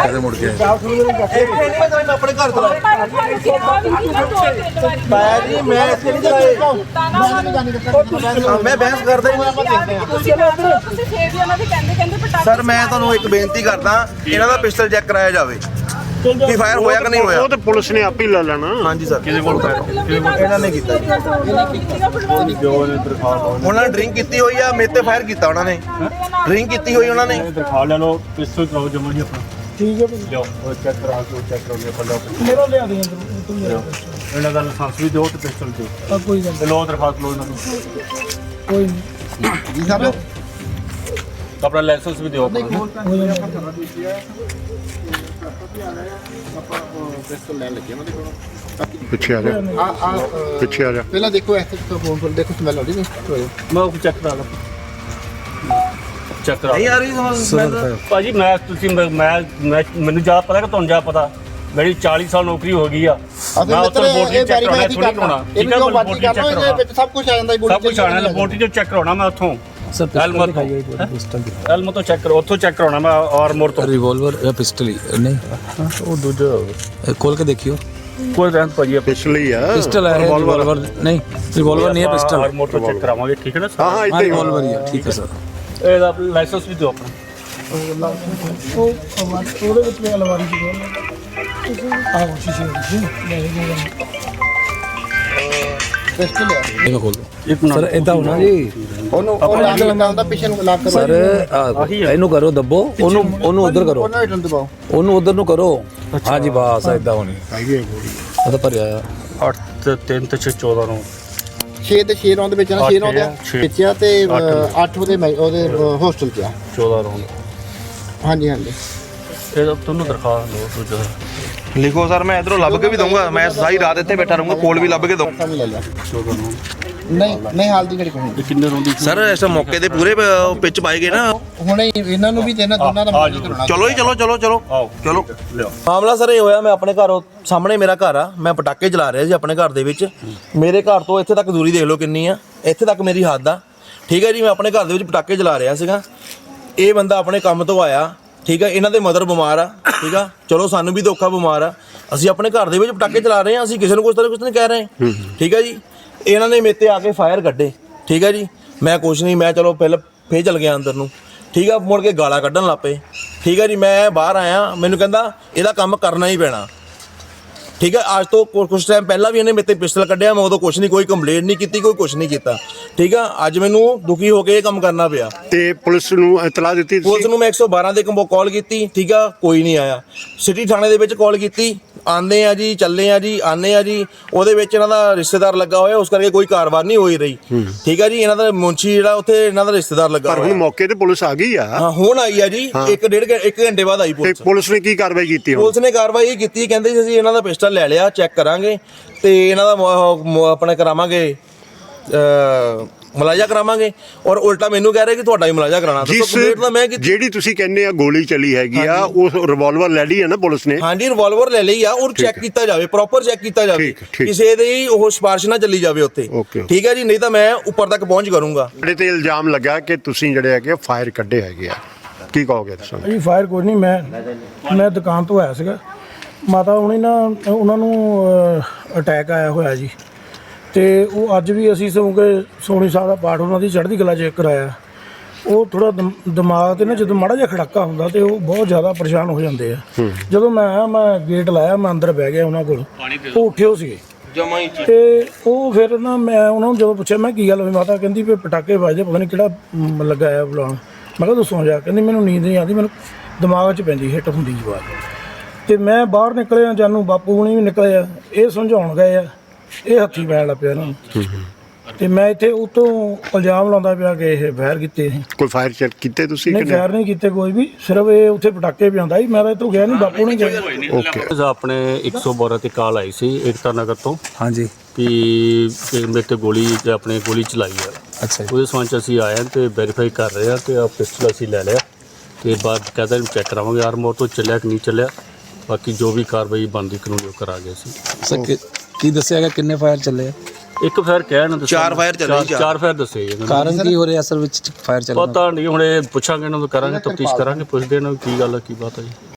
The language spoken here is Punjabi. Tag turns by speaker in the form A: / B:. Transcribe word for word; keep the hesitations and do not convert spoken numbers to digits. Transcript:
A: ਮੌਕੇ ਤੇ ਮੁੜ ਕੇ ਆਏ।
B: ਆਪਣੇ ਘਰ ਤੋਂ ਪਾਇਆ ਜੀ ਮੈਂ ਇੱਥੇ ਨਹੀਂ ਚਲਾਏ ਮੈਂ ਬਹਿਸ ਕਰਦਾ ਹੀ ਸਰ। ਮੈਂ ਤੁਹਾਨੂੰ ਇੱਕ ਬੇਨਤੀ ਕਰਦਾ ਇਹਨਾਂ ਦਾ ਪਿਸਟਲ ਚੈੱਕ ਕਰਾਇਆ ਜਾਵੇ ਕਿ ਫਾਇਰ ਹੋਇਆ ਕਿ ਨਹੀਂ ਹੋਇਆ।
C: ਉਹ ਤੇ ਪੁਲਿਸ ਨੇ ਆਪ ਹੀ ਲੈ ਲੈਣਾ।
B: ਹਾਂਜੀ ਸਰ ਕਿਹਦੇ ਕੋਲ ਇਹਨਾਂ ਨੇ ਕੀਤਾ ਉਹਨਾਂ ਨੇ ਡਰਿੰਕ ਕੀਤੀ ਹੋਈ ਆ ਮੇਰੇ ਤੇ ਫਾਇਰ ਕੀਤਾ ਉਹਨਾਂ ਨੇ ਡਰਿੰਕ ਕੀਤੀ ਹੋਈ ਉਹਨਾਂ ਨੇ
C: ਦਿਖਾ ਲੈ ਲੋ ਪਿਸਤੌਲ ਕਰਾਓ ਜਮਾ ਜੀ ਆਪਣਾ
D: ਠੀਕ ਹੈ
C: ਲਿਓ ਉਹ ਚੈੱਕ ਕਰਾ ਕੇ ਚੈੱਕ ਕਰੋ ਲੈ ਪੱਲਾ
D: ਮੇਰਾ ਲਿਆ ਦੇ ਤੂੰ ਮੇਰਾ
C: ਇਹਨਾਂ ਦਾ ਲਾਇਸੈਂਸ ਵੀ ਦਿਓ ਤੇ ਪਿਸਤੌਲ ਦਿਓ।
D: ਆ ਕੋਈ ਗੱਲ
C: ਤੇ ਲੋ ਦਰਖਾਸਤ ਲੋ ਇਹਨਾਂ ਨੂੰ
D: ਕੋਈ ਨਹੀਂ
B: ਜੀ ਸਾਹਿਬ
C: ਆਪਣਾ ਲਾਇਸੈਂਸ ਵੀ ਦਿਓ ਆਪਣਾ ਪਿੱਛੇ ਆ ਜਾ ਪਿੱਛੇ ਆ ਜਾ
B: ਪਹਿਲਾਂ ਦੇਖੋ ਇੱਥੇ ਤੋਂ ਫੋਨ ਫੋਨ ਦੇਖੋ ਸਮੈਲ ਆਉਂਦੀ ਨਹੀਂ
C: ਮੈਂ ਉਹ ਚੈੱਕ ਕਰਾ ਲਾ ਚੈੱਕ ਕਰਾ
B: ਨਹੀਂ ਆ ਰਹੀ ਸਮੈਲ
C: ਭਾਜੀ ਮੈਂ ਤੁਸੀਂ ਮੈਂ ਮੈਂ- ਮੈਨੂੰ ਜ਼ਿਆਦਾ ਪਤਾ ਕਿ ਤੁਹਾਨੂੰ ਜ਼ਿਆਦਾ ਪਤਾ ਮੇਰੀ ਚਾਲੀ ਸਾਲ ਨੌਕਰੀ ਹੋ ਗਈ ਆ ਮੈਂ ਉੱਥੇ ਲੈਬੋਰਟਰੀ ਚੈੱਕ ਕਰਾਉਣਾ ਥੋੜੀ ਕਰਾਉਣਾ ਠੀਕ ਹੈ ਲੈਬੋਰਟਰੀ ਚੈੱਕ ਕਰਾਉਣਾ
B: ਵਿੱਚ ਸਭ ਕੁਝ ਆ ਜਾਂਦਾ
C: ਸਭ ਕੁਝ ਆਣਾ ਲੈਬੋਰਟਰੀ ਚੋਂ ਚੈੱਕ ਕਰਾਉਣਾ ਮੈਂ ਉੱਥੋਂ
A: सर पिस्टल दिखाइए पिस्टल दिखाइए
C: ਐਲਮ ਤੋਂ ਚੈੱਕ ਕਰੋ ਉੱਥੋਂ ਚੈੱਕ ਕਰਾਉਣਾ ਮੈਂ ਔਰ ਮੋਰ ਤੋਂ
A: रिवॉल्वर या पिस्टल ही नहीं
C: ਉਹ ਦੂਜਾ
A: खोल के देखियो
C: ਕੋਈ ਰਹਿਣ ਭਾਜੀ
E: ਪਿਛਲੀ ਆ
A: पिस्टल है रिवॉल्वर नहीं रिवॉल्वर नहीं है पिस्टल
C: ਔਰ ਮੋਰ ਤੋਂ ਚੈੱਕ ਕਰਾਵਾਂਗੇ ਠੀਕ ਹੈ ਨਾ
E: ਹਾਂ ਹਾਂ
A: हाँ
E: ਇੱਥੇ
A: रिवॉल्वर ही है ठीक है सर
C: ਇਹਦਾ ਲਾਇਸੈਂਸ ਵੀ ਦਿਓ ਆਪਣਾ
D: ਉਹ ਉਹਦੇ ਵਿੱਚ ਵੀ ਅਲਮਾਰੀ ਦੀ ਗੱਲ ਆਹ ਸ਼ੀਸ਼ੇ ਦੀ ਲੈ ਲੈ
B: ਪਿਸਟਲ ਹੈ
A: इनको खोल दो
C: ਇੱਕ ਮਿੰਟ
A: सर इदा होना जी
B: ਉਹਨੂੰ ਉਹ ਲਾਗ ਲਗਾਉਂਦਾ ਪਿੱਛੇ ਨੂੰ ਲਾਗ ਕਰੋ
A: सर ਇਹਨੂੰ ਕਰੋ ਦੱਬੋ ਉਹਨੂੰ ਉਹਨੂੰ ਉਧਰ ਕਰੋ
B: ਉਹਨਾਂ ਹਿੱਟਣ ਦਬਾਓ
A: ਉਹਨੂੰ ਉਧਰ ਨੂੰ ਕਰੋ ਹਾਂ ਜੀ ਬਸ ਇਦਾਂ ਹੋਣੀ
E: ਹੈਗੀ ਗੋਲੀ
A: ਉਹ ਤਾਂ ਭਰਿਆ ਆ
C: ਅੱਠ ਤੇ ਤਿੰਨ ਤੇ ਛੇ ਚੌਦਾਂ ਨੂੰ
B: ਛੇ ਤੇ ਛੇ ਰੌਂਦ ਵਿੱਚ ਨਾ ਛੇ ਰੌਂਦ ਆ
C: ਛੇ।
B: ਵਿੱਚ ਆ ਤੇ ਅੱਠ ਉਹਦੇ ਮੈਂ- ਉਹਦੇ ਹੋਸਟਲ 'ਚ ਆ
C: ਚੌਦਾਂ ਰੌਂਦ
B: ਹਾਂਜੀ ਹਾਂਜੀ
C: ਇਹਦਾ ਤੁਹਾਨੂੰ ਦਰਖਾਸਤ ਦਿਓ ਦੂਜਾ
B: ਲਿਖੋ ਸਰ ਮੈਂ ਇਧਰੋਂ ਲੱਭ ਕੇ ਵੀ ਦਊਂਗਾ ਮੈਂ ਸਾਰੀ ਰਾਤ ਇੱਥੇ ਬੈਠਾ ਰਹੂੰਗਾ ਕੋਲ ਵੀ ਲੱਭ ਕੇ ਦਊਂ
C: ਚੌਦਾਂ ਰੌਂਦ
B: ਨਹੀਂ ਨਹੀਂ ਹਾਲ ਦੀ ਘੜੀ ਕੋਈ
C: ਇਹ ਕਿੰਨੇ ਰੌਂਦ ਦੀ
B: ਸਰ ਇਸ ਮੌਕੇ ਤੇ ਪੂਰੇ ਪਿੱਚ ਪਾਏ ਗਏ ਨਾ ਹੁਣੇ ਇਹਨਾਂ ਨੂੰ ਵੀ ਤੇ ਇਹਨਾਂ ਦੋਨਾਂ ਦਾ ਮਾਮਲਾ ਕਰਾਉਣਾ ਚਲੋ ਜੀ ਚਲੋ ਚਲੋ ਚਲੋ
C: ਆਓ
B: ਚਲੋ
C: ਲਿਓ
B: ਮਾਮਲਾ ਸਰ ਇਹ ਹੋਇਆ ਮੈਂ ਆਪਣੇ ਘਰੋਂ ਸਾਹਮਣੇ ਮੇਰਾ ਘਰ ਆ ਮੈਂ ਪਟਾਕੇ ਚਲਾ ਰਿਹਾ ਸੀ ਆਪਣੇ ਘਰ ਦੇ ਵਿੱਚ ਮੇਰੇ ਘਰ ਤੋਂ ਇੱਥੇ ਤੱਕ ਦੂਰੀ ਦੇਖ ਲਓ ਕਿੰਨੀ ਆ ਇੱਥੇ ਤੱਕ ਮੇਰੀ ਹੱਦ ਆ ਠੀਕ ਹੈ ਜੀ ਮੈਂ ਆਪਣੇ ਘਰ ਦੇ ਵਿੱਚ ਪਟਾਕੇ ਚਲਾ ਰਿਹਾ ਸੀਗਾ ਇਹ ਬੰਦਾ ਆਪਣੇ ਕੰਮ ਤੋਂ ਆਇਆ ਠੀਕ ਹੈ ਇਹਨਾਂ ਦੇ ਮਦਰ ਬਿਮਾਰ ਆ ਠੀਕ ਆ ਚਲੋ ਸਾਨੂੰ ਵੀ ਧੋਖਾ ਬਿਮਾਰ ਆ ਅਸੀਂ ਆਪਣੇ ਘਰ ਦੇ ਵਿੱਚ ਪਟਾਕੇ ਚਲਾ ਰਹੇ ਹਾਂ ਅਸੀਂ ਕਿਸੇ ਨੂੰ ਕੁਛ ਤਰ੍ਹਾਂ ਕੁਛ ਨਹੀਂ ਕਹਿ ਰਹੇ ਠੀਕ ਹੈ ਜੀ ਇਹਨਾਂ ਨੇ ਮੇਰੇ ਤੇ ਆ ਕੇ ਫਾਇਰ ਕੱਢੇ ਠੀਕ ਹੈ ਜੀ ਮੈਂ ਕੁਛ ਨਹੀਂ ਮੈਂ ਚਲੋ ਪਹਿਲਾਂ ਫੇਰ ਚਲ ਗਿਆ ਅੰਦਰ ਨੂੰ ਠੀਕ ਆ ਮੁੜ ਕੇ ਗਾਲਾਂ ਕੱਢਣ ਲੱਗ ਪਏ ਠੀਕ ਹੈ ਜੀ ਮੈਂ ਬਾਹਰ ਆਇਆ ਮੈਨੂੰ ਕਹਿੰਦਾ ਇਹਦਾ ਕੰਮ ਕਰਨਾ ਹੀ ਪੈਣਾ ਠੀਕ ਹੈ ਅੱਜ ਤੋਂ ਕੁਝ ਟਾਈਮ ਪਹਿਲਾਂ ਵੀ ਇਹਨੇ ਮੇਰੇ ਤੇ ਪਿਸਟਲ ਕੱਢਿਆ ਮੈਂ ਉਦੋਂ ਕੁਛ ਨਹੀਂ ਕੋਈ ਕੰਪਲੇਂਟ ਨਹੀਂ ਕੀਤੀ ਕੋਈ ਕੁਛ ਨਹੀਂ ਕੀਤਾ ਠੀਕ ਆ ਅੱਜ ਮੈਨੂੰ ਦੁਖੀ ਹੋ ਕੇ ਇਹ ਕੰਮ ਕਰਨਾ ਪਿਆ
E: ਤੇ ਪੁਲਿਸ ਨੂੰ ਇਤਲਾਹ ਦਿੱਤੀ
B: ਪੁਲਿਸ
E: ਤੁਸੀਂ
B: ਨੂੰ ਮੈਂ ਇੱਕ ਸੌ ਬਾਰਾਂ ਦੇ ਕੰਬੋ ਕਾਲ ਕੀਤੀ ਠੀਕ ਆ ਕੋਈ ਨਹੀਂ ਆਇਆ ਸਿਟੀ ਥਾਣੇ ਦੇ ਵਿੱਚ ਕਾਲ ਕੀਤੀ ਆਂਦੇ ਆ ਜੀ ਚੱਲੇ ਆ ਜੀ ਆਨੇ ਆ ਜੀ ਉਹਦੇ ਵਿੱਚ ਇਹਨਾਂ ਦਾ ਰਿਸ਼ਤੇਦਾਰ ਲੱਗਾ ਹੋਇਆ ਉਸ ਕਰਕੇ ਕੋਈ ਕਾਰਵਾਈ ਨਹੀਂ ਹੋਈ ਰਹੀ ਠੀਕ ਆ ਜੀ ਇਹਨਾਂ ਦਾ ਮੁੰਸ਼ੀ ਜਿਹੜਾ ਉੱਥੇ ਇਹਨਾਂ ਦਾ ਰਿਸ਼ਤੇਦਾਰ ਲੱਗਾ
E: ਪਰ ਹੁਣ
B: ਹੋਇਆ
E: ਮੌਕੇ ਤੇ ਪੁਲਿਸ ਆ ਗਈ ਆ
B: ਹਾਂ ਹੁਣ ਆਈ ਆ ਜੀ ਇੱਕ ਡੇਢ ਘੰ- ਇੱਕ ਘੰਟੇ ਬਾਅਦ ਆਈ
E: ਤੇ
B: ਪੁਲਿਸ
E: ਪੁਲਿਸ ਨੇ ਕੀ ਕਾਰਵਾਈ ਕੀਤੀ ਹੁਣ
B: ਪੁਲਿਸ ਨੇ ਕਾਰਵਾਈ ਇਹ ਕੀਤੀ ਕਹਿੰਦੇ ਸੀ ਅਸੀਂ ਇਹਨਾਂ ਦਾ ਪਿਸਟਲ ਲੈ ਲਿਆ ਚੈੱਕ ਕਰਾਂਗੇ ਤੇ ਇਹਨਾਂ ਦਾ ਮ- ਮ- ਆਪਣਾ ਕਰਾਵਾਂਗੇ ਅ ਮਲਾਜਾ ਕਰਾਵਾਂਗੇ ਔਰ ਉਲਟਾ ਮੈਨੂੰ ਕਹਿ ਰਹੇ ਕਿ ਤੁਹਾਡਾ ਹੀ ਮਲਾਜਾ ਕਰਾਣਾ ਦੱਸੋ
E: ਜਿਸ
B: ਕੰਪਲੀਟ ਤਾਂ ਮੈਂ ਕੀਤੀ
E: ਜਿਹੜੀ ਤੁਸੀਂ ਕਹਿੰਦੇ ਆ ਗੋਲੀ ਚਲੀ ਹੈਗੀ ਆ ਉਸ ਰਿਵਾਲਵਰ ਲੈ ਲਈ ਹੈ ਨਾ ਪੁਲਿਸ ਨੇ
B: ਹਾਂਜੀ ਰਿਵਾਲਵਰ ਲੈ ਲਈ ਆ ਔਰ ਚੈੱਕ ਕੀਤਾ ਜਾਵੇ ਪ੍ਰੋਪਰ ਚੈੱਕ ਕੀਤਾ ਜਾਵੇ
E: ਠੀਕ, ਠੀਕ।
B: ਕਿਸੇ ਦੀ ਉਹ ਸਿਫਾਰਿਸ਼ ਨਾ ਚੱਲੀ ਜਾਵੇ ਉੱਥੇ
E: Okay, okay।
B: ਠੀਕ ਹੈ ਜੀ ਨਹੀਂ ਤਾਂ ਮੈਂ ਉੱਪਰ ਤੱਕ ਪਹੁੰਚ ਕਰੂੰਗਾ
E: ਤੁਹਾਡੇ ਤੇ ਇਲਜ਼ਾਮ ਲੱਗਾ ਕਿ ਤੁਸੀਂ ਜਿਹੜੇ ਹੈਗੇ ਫਾਇਰ ਕੱਢੇ ਹੈਗੇ ਆ ਕੀ ਕਹੋਗੇ ਤੁਸੀਂ
D: ਜੀ ਫਾਇਰ ਕੋਈ ਨਹੀਂ ਮੈਂ ਮੈਂ ਦੁਕਾਨ ਤੋਂ ਆਇਆ ਸੀਗਾ ਮਾਤਾ ਹੁਣੀ ਨਾ ਉਹਨਾਂ ਨੂੰ ਅਟੈਕ ਆਇਆ ਹੋਇਆ ਜੀ ਤੇ ਉਹ ਅੱਜ ਵੀ ਅਸੀਂ ਸਗੋਂ ਕਿ ਸੋਣੀ ਸਾਹਿਬ ਦਾ ਪਾਠ ਉਹਨਾਂ ਦੀ ਚੜ੍ਹਦੀ ਕਲਾ ਚੈੱਕ ਕਰਾਇਆ ਉਹ ਥੋੜਾ ਦਿਮਾਗ ਤੇ ਨਾ ਜਦੋਂ ਮਾੜਾ ਜਿਹਾ ਖੜਾਕਾ ਹੁੰਦਾ ਤੇ ਉਹ ਬਹੁਤ ਜ਼ਿਆਦਾ ਪਰੇਸ਼ਾਨ ਹੋ ਜਾਂਦੇ ਆ ਜਦੋਂ ਮੈਂ ਆਇਆ ਮੈਂ ਗੇਟ ਲਾਇਆ ਮੈਂ ਅੰਦਰ ਬਹਿ ਗਿਆ ਉਹਨਾਂ ਕੋਲ ਉਹ ਉੱਠਿਓ ਸੀਗੇ
B: ਜਮਾ ਹੀ
D: ਤੇ ਉਹ ਫਿਰ ਨਾ ਮੈਂ ਉਹਨਾਂ ਨੂੰ ਜਦੋਂ ਪੁੱਛਿਆ ਮੈਂ ਕੀ ਗੱਲ ਹੋਈ ਮਾਤਾ ਕਹਿੰਦੀ ਵੀ ਪਟਾਕੇ ਵੱਜਦੇ ਪਤਾ ਨਹੀਂ ਕਿਹੜਾ ਮ, ਲੱਗਾ ਆ ਬੁਲਾਉਣ ਮੈਂ ਕਿਹਾ ਤੂੰ ਸੌਂ ਜਾ ਕਹਿੰਦੀ ਮੈਨੂੰ ਨੀਂਦ ਨਹੀਂ ਆਉਂਦੀ ਮੈਨੂੰ ਦਿਮਾਗ 'ਚ ਪੈਂਦੀ ਹਿੱਟ ਹੁੰਦੀ ਜੀ ਆਵਾਜ਼ ਤੇ ਮੈਂ ਬਾਹਰ ਨਿਕਲਿਆ ਜਾਨੂੰ ਬਾਪੂ ਹੁਣੀ ਵੀ ਨਿਕਲੇ ਆ ਇਹ ਸਮਝਾਉਣ ਗਏ ਆ ਇਹ ਹੱਥੀ ਪੈਣ ਲੱਗ ਪਿਆ ਇਹਨਾਂ ਨੂੰ ਤੇ ਮੈਂ ਇੱਥੇ ਉਤੋਂ ਇਲਜ਼ਾਮ ਲਾਉਂਦਾ ਪਿਆ ਕਿ ਇਹ ਫਾਇਰ ਕੀਤੇ ਸੀ
E: ਕੋਈ ਫਾਇਰ ਚੈੱਕ ਕੀਤੇ ਤੁਸੀਂ ਕਿ
D: ਨਹੀਂ ਫਾਇਰ ਨਹੀਂ ਕੀਤੇ ਕੋਈ ਵੀ ਸਿਰਫ ਇਹ ਉੱਥੇ ਪਟਾਕੇ ਪਿਆਉਂਦਾ ਸੀ ਮੈਂ ਤਾਂ ਇੱਥੋਂ ਗਿਆ ਨਹੀਂ ਬਾਪੂ ਨਹੀਂ ਗਿਆ
E: ਓਕੇ
C: ਆਪਣੇ ਇੱਕ ਸੌ ਬਾਰਾਂ ਤੇ ਕਾਲ ਆਈ ਸੀ ਏਕਤਾ ਨਗਰ ਤੋਂ
A: हाँ जी
C: ਕਿ ਕਿ ਮੇਰੇ ਤੇ ਗੋਲੀ ਤੇ ਆਪਣੇ ਗੋਲੀ ਚਲਾਈ ਆ
A: अच्छा जी
C: ਉਹਦੇ ਸੰਬੰਧ 'ਚ ਅਸੀਂ ਆਏ ਹਾਂ ਤੇ ਵੈਰੀਫਾਈ ਕਰ ਰਹੇ ਹਾਂ ਤੇ ਆ ਪਿਸਟਲ ਅਸੀਂ ਲੈ ਲਿਆ ਤੇ ਬਾਅਦ ਕਹਿੰਦਾ ਇਹਨੂੰ ਚੈੱਕ ਕਰਾਵਾਂਗੇ ਆਰਮੋਰ ਤੋਂ ਚੱਲਿਆ ਕਿ ਨਹੀਂ ਚੱਲਿਆ ਬਾਕੀ ਜੋ ਵੀ ਕਾਰਵਾਈ ਬਣਦੀ ਕਾਨੂੰਨੀ ਉਹ ਕਰਾਂਗੇ ਅਸੀਂ
A: सर कि- की दसिया गया किन्ने फायर चले
C: ਇੱਕ ਫਾਇਰ ਕਹਿ ਨਾ ਦੱਸਿਆ
B: ਚਾਰ fire ਚੱਲੇ ਜੀ, ਚਾਰ।
C: ਚਾਰ ਫਾਇਰ ਦੱਸੇ ਜੀ ਇਹਨਾਂ ਨੇ।
A: कारण की हो रहा है असल विच फायर चलना
C: ਪਤਾ ਨਹੀਂ ਹੁਣ ਇਹ ਪੁੱਛਾਂਗੇ ਇਹਨਾਂ ਨੂੰ ਕਰਾਂਗੇ ਤਫਤੀਸ਼ ਕਰਾਂਗੇ ਪੁੱਛਦੇ ਇਹਨਾਂ ਨੂੰ ਕੀ ਗੱਲ ਹੈ ਕੀ ਬਾਤ ਹੈ ਜੀ